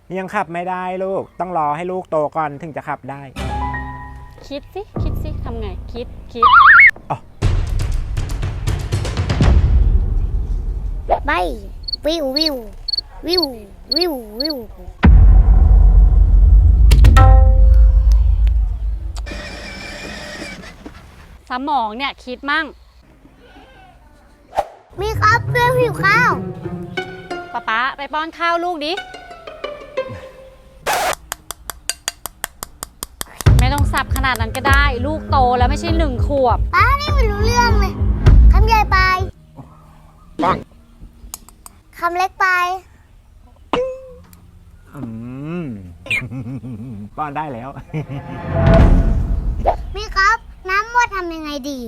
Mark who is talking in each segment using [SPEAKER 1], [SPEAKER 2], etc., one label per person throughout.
[SPEAKER 1] ยังขับไม่ได้ลูกต้องรอให้ลูกโตก่อนถึงจะขับได้
[SPEAKER 2] คิดสิทำไงคิด
[SPEAKER 3] ไปวิววิววิววิววิว
[SPEAKER 2] สมองเนี่ยคิดมั่ง
[SPEAKER 3] มีครับเพื่อนหิวข้าว
[SPEAKER 2] ป๊าไปป้อนข้าวลูกดิไม่ต้องสับขนาดนั้นก็ได้ลูกโตแล้วไม่ใช่1 ขวบ
[SPEAKER 3] ป้านี่ไม่รู้เรื่องเลยคำใหญ่ไป
[SPEAKER 1] ปัง
[SPEAKER 3] คำเล็กไป
[SPEAKER 1] ป้อนได้แล้ว
[SPEAKER 3] มีครับน้ำหมดทำยังไงดี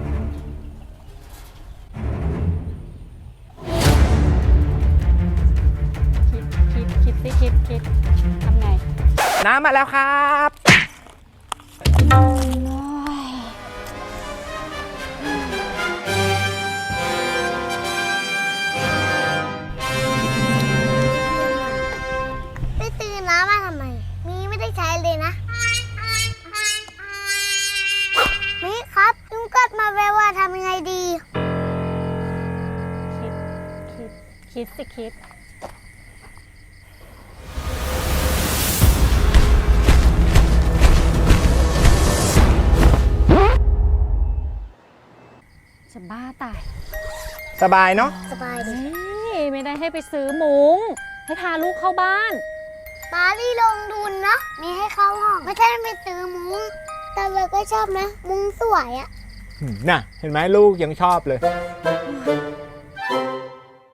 [SPEAKER 2] คิดทำไง
[SPEAKER 1] น้ำมาแล้วครับ
[SPEAKER 3] ไปซื้อน้ำมาทำไมมีไม่ได้ใช้เลยนะมีครับลุงกัดมาแววว่าทำยังไงดี
[SPEAKER 2] คิดจะบ้าตาย
[SPEAKER 1] สบายเนาะ
[SPEAKER 3] สบายดี
[SPEAKER 2] ไม่ได้ให้ไปซื้อมุ้งให้พาลูกเข้าบ้าน
[SPEAKER 3] ป้าลี่ลงทุนนะมีให้เข้าห้องไม่ใช่ไปซื้อมุ้งแต่เราก็ชอบนะมุ้งสวยอะ
[SPEAKER 1] น่ะเห็นไหมลูกยังชอบเลย